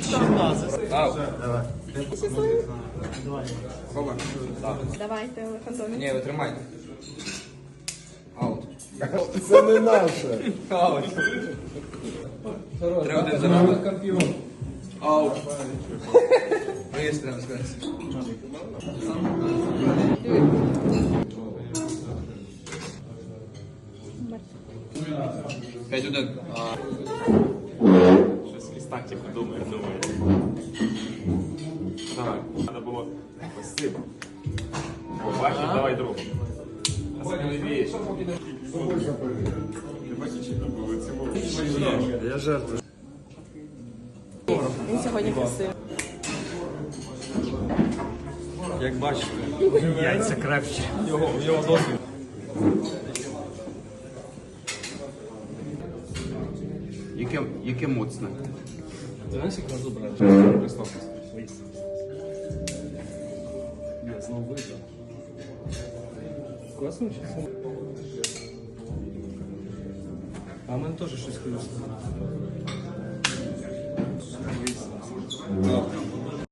Ау. Щасливий? Хоба. Давайте, Олег Антонович. Ні, ви тримайте. Аут. Це не наше. Аут. 3-1 за нами. Аут. Виїзд треба сказати. П'ять один. Щось ліста типу думає. Давай, треба було спасибо. Побачиш, давай другу. А сміливіше. Я жертва. Він сьогодні красивий. Як бачите, яйця крепче. Його досвід. Яке моцне. Ти знаєш, як на зубра? Христос. Я знову видно. Класно чи? А в мене теж щось хрустить.